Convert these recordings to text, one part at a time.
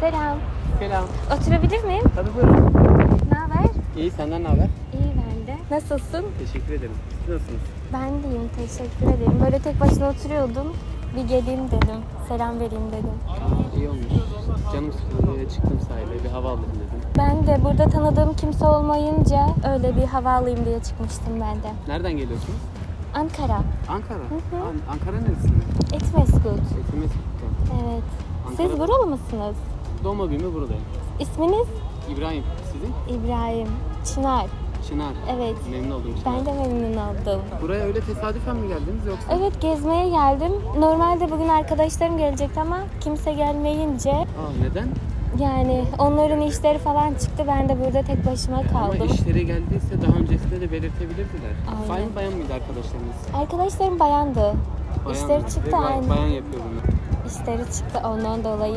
Selam. Selam. Oturabilir miyim? Tabii buyurun. Ne haber? İyi, senden ne haber? İyi ben de. Nasılsın? Teşekkür ederim. Siz nasılsınız? Ben deyim, teşekkür ederim. Böyle tek başına oturuyordum. Bir geleyim dedim. Selam vereyim dedim. İyi olmuş. Canım sıkıldı diye çıktım sahile, bir hava alayım dedim. Ben de burada tanıdığım kimse olmayınca öyle bir hava alayım diye çıkmıştım ben de. Nereden geliyorsunuz? Ankara. Ankara. Hı. Ankara neresinde? Etmeskut. Etimesgut'ta. Evet. Ankara- Siz buralı mısınız? Doğma büyüme buradayım. İsminiz? İbrahim, sizin? İbrahim. Çınar. Çınar. Evet. Memnun oldum Çınar. Ben de memnun oldum. Buraya öyle tesadüfen mi geldiniz yoksa? Evet, gezmeye geldim. Normalde bugün arkadaşlarım gelecekti ama kimse gelmeyince Neden? yani onların işleri falan çıktı. Ben de burada tek başıma Ama kaldım. işleri geldiyse daha öncesinde de belirtebilirdiler. Aynen. Bayan mıydı arkadaşlarınız? Arkadaşlarım bayandı. Bayan İşleri mı? çıktı, Bayan aynen. yapıyorum ben. İşleri çıktı ondan dolayı.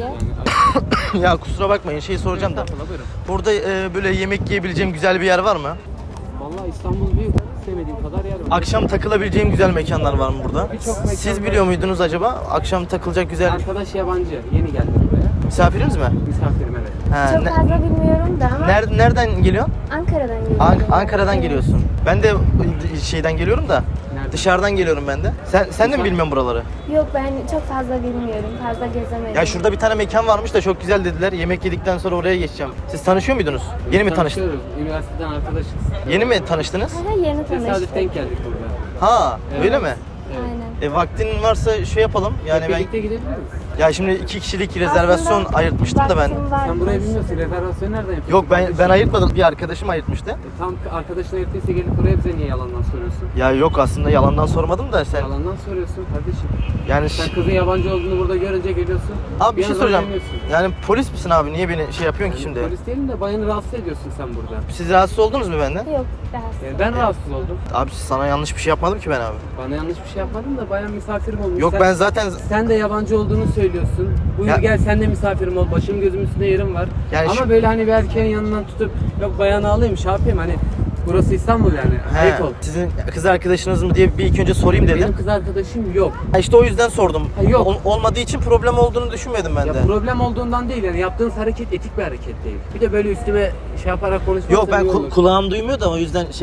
Yani Ya kusura bakmayın şey soracağım da. Estağfurullah, buyurun. Burada böyle yemek yiyebileceğim güzel bir yer var mı? Vallahi İstanbul büyük. Sevmediğim kadar yer var. Akşam takılabileceğim güzel mekanlar var mı burada? Birçok mekan Siz var. biliyor muydunuz acaba? Akşam takılacak güzel Arkadaş yabancı. Yeni geldi buraya. misafiriniz mi? Misafirim, evet. Ha, Çok fazla bilmiyorum da ama nereden geliyor? Ankara'dan geliyorum. Ankara'dan Evet. geliyorsun. Ben de şeyden geliyorum da. Nereden? Dışarıdan geliyorum ben de. Sen de mi bilmiyorsun buraları? Yok, ben çok fazla bilmiyorum. Fazla gezemedim. Ya şurada bir tane mekan varmış da çok güzel dediler. Yemek yedikten sonra oraya geçeceğim. Siz tanışıyor muydunuz? Yeni mi tanıştınız? Tanışıyoruz. Üniversiteden arkadaşız. Yeni mi tanıştınız? Hala yeni Tesadüf tanıştık. denk geldik burada. Ha, Evet. öyle mi? Aynen. Vaktin varsa şey yapalım. Yani Hep ben birlikte gidebiliriz. ya şimdi 2 kişilik rezervasyon Aslında ayırtmıştım da ben. vaktim varmış. Sen burayı bilmiyorsun. Rezervasyonu nereden yapıyorsun? Yok ben Kardeşim? ayırtmadım. Bir arkadaşım ayırtmıştı. Tam arkadaşına yaptıysa gelip buraya bize niye yalandan soruyorsun? Ya yok aslında yalandan sormadım da sen. Yalandan soruyorsun kardeşim. Yani Sen kızın yabancı olduğunu burada görünce geliyorsun. abi bir şey anda soracağım. gelmiyorsun. Yani polis misin abi? Niye beni şey yapıyorsun ki Yani şimdi? Polis değilim de bayanı rahatsız ediyorsun sen burada. Siz rahatsız oldunuz mu benden? Yok, rahatsız. Yani ben rahatsız oldum. Abi sana yanlış bir şey yapmadım ki ben abi. Bana yanlış bir şey yapmadın da bayan misafirim olmuş. Yok ben zaten Sen de yabancı olduğunu söylüyorsun. Buyur Ya- gel sen de misafirim ol. Başım gözüm üstünde yerim var. Yani Ama şu- böyle hani bir erkeğin yanından tutup yok bayanı alayım şey yapayım hani burası İstanbul yani. Ayıp ol. sizin kız arkadaşınız mı diye bir ilk önce sorayım dedim. Benim kız arkadaşım yok. Ha işte o yüzden sordum. Ha, yok. Olmadığı için problem olduğunu düşünmedim ben Ya de. problem olduğundan değil yani yaptığınız hareket etik bir hareket değil. Bir de böyle üstüme şey yaparak konuşmak Yok ben kulağım duymuyor da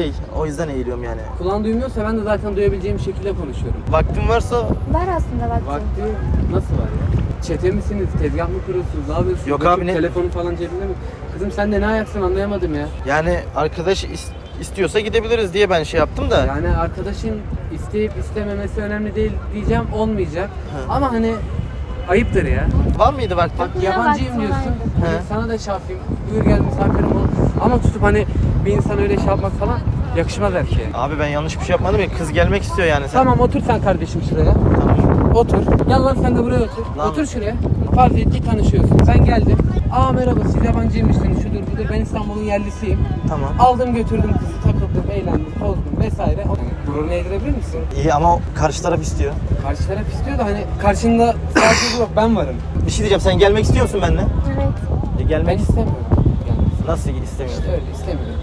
o yüzden eğiliyorum yani. Kulağın duymuyorsa ben de zaten duyabileceğim şekilde konuşuyorum. Vaktin varsa Var aslında vaktim. Vakti nasıl var ya? Çete misiniz? Tezgah mı kuruyorsunuz? Ne yapıyorsunuz? Yok Bakayım abi, ne- Telefonu falan cebinde mi? Kızım sen de ne ayaksın anlayamadım ya. yani arkadaş istiyorsa gidebiliriz diye ben şey yaptım da. Yani arkadaşın isteyip istememesi önemli değil diyeceğim olmayacak. Ama hani ayıptır ya. Var mıydı vaktin? Bak Bakın ya, yabancıyım vaktim diyorsun. vardı. Hani He. sana da şey yapayım. Buyur gel misafirim ol. Ama tutup hani bir insan öyle şey yapmak falan yakışmaz erkeğe. Abi ben yanlış bir şey yapmadım ya. Kız gelmek istiyor yani. Sen... Tamam otur sen kardeşim şuraya. Tamam. Otur. Gel lan sen de buraya otur. Lan. Otur şuraya. Farz et ki tanışıyorsun. Ben geldim. Aa merhaba siz yabancıymışsınız şudur budur. Ben İstanbul'un yerlisiyim. Tamam. Aldım götürdüm kızı takıldım eğlendim tozdum vesaire. Yani gururunu eğdirebilir misin? İyi ama karşı taraf istiyor. Karşı taraf istiyor da hani karşında sadece yok ben varım. Bir şey diyeceğim. Sen gelmek istiyor musun benimle? Evet. Ben Gelmek istemiyorum. Yani nasıl istemiyorsun? işte öyle istemiyorum.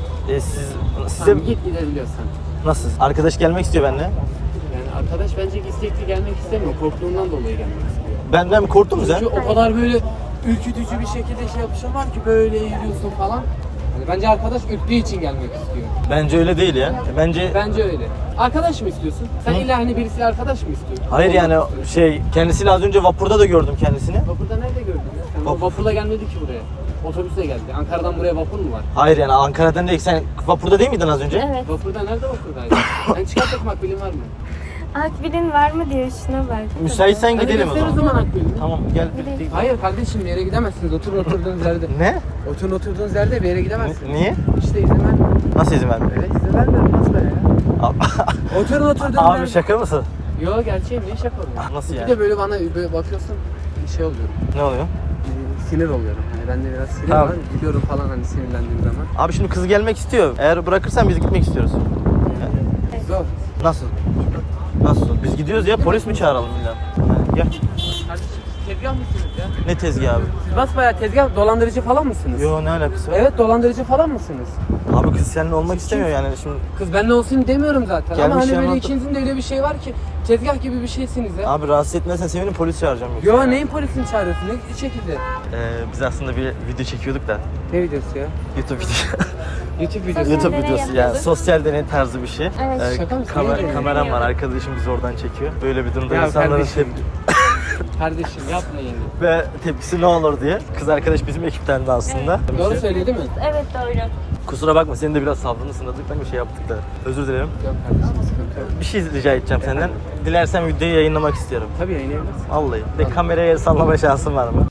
Size Tamam, git gidebiliyorsan. nasıl? Arkadaş gelmek istiyor benimle. Yani arkadaş bence istekli gelmek istemiyor. Korktuğundan dolayı gelmek istiyor. Benden mi korktun mu sen? Çünkü o kadar böyle ürkütücü bir şekilde şey yapışan var ki böyle eğiliyorsun falan. Hani bence arkadaş ürktüğü için gelmek istiyor. Bence öyle değil ya. Bence öyle. Arkadaş mı istiyorsun? Sen Hı? illa hani birisiyle arkadaş mı istiyorsun? Hayır Olmak yani istiyorsun. kendisiyle az önce vapurda da gördüm kendisini. Vapurda nerede gördün ya? Sen Vapur. vapurla gelmedi ki buraya. Otobüsle geldi. Ankara'dan buraya vapur mu var? Hayır yani Ankara'dan değil. Sen vapurda değil miydin az önce? Evet. Vapurda nerede vapurdaydın? Sen çıkartmak makbulin var mı? Akbil'in var mı diyor, şuna bak. Müsaitsen Hadi gidelim o göster zaman. akbilini. Tamam gel. Gidelim. Hayır kardeşim bir yere gidemezsiniz. Oturun oturduğunuz yerde. Ne? Oturun oturduğunuz yerde bir yere gidemezsiniz. Niye? İşte izin vermiyorum. Nasıl izin vermiyor? Evet izin vermiyorum. Nasıl böyle ya? Oturun oturduğunuz Abi yerde. şaka mısın? Yo gerçeğim ne şaka oluyor? Nasıl Bir yani? de böyle bana böyle bakıyorsun şey oluyorum. Ne oluyor? Sinir oluyorum. Hani bende biraz sinir Tamam. var. Gülüyorum falan hani sinirlendiğim zaman. Abi şimdi kız gelmek istiyor. Eğer bırakırsan biz gitmek istiyoruz. Zor. Nasıl? Nasıl? Biz gidiyoruz ya polis mi çağıralım illa? Gel. Kardeşim tezgah mısınız ya? Ne tezgahı abi? Siz basbayağı tezgah dolandırıcı falan mısınız? Yo ne alakası var? Evet dolandırıcı falan mısınız? Abi kız seninle olmak istemiyor yani şimdi. Kız benimle olsun demiyorum zaten Gelmiş ama hani böyle yanına- ikinizin de öyle bir şey var ki tezgah gibi bir şeysiniz ya. Abi rahatsız etmezsen sevinirim, polis çağıracağım yoksa. Yo neyin polisini çağırıyorsun? Ne şekilde? Biz aslında bir video çekiyorduk da. Ne videosu ya? YouTube video. YouTube videosu. Sosyal YouTube deney videosu yani yapıyorduk. sosyal deney tarzı bir şey. Evet. Şaka mısın? Ne Kameram var, arkadaşım bizi oradan çekiyor. Böyle bir durumda Ya insanların kardeşim. tepki Kardeşim yapmayın. ve tepkisi ne olur diye. Kız arkadaş bizim ekipten de aslında. Doğru söyledi değil mi? Evet doğru. Kusura bakma, senin de biraz sabrını sınadık da bir şey yaptık da. Özür dilerim. Yok kardeşim sıkıntı yok. Bir şey rica edeceğim senden. Dilersen videoyu yayınlamak istiyorum. Tabii yayınlayabilirsin. Vallahi. De kameraya el sallama şansın var mı?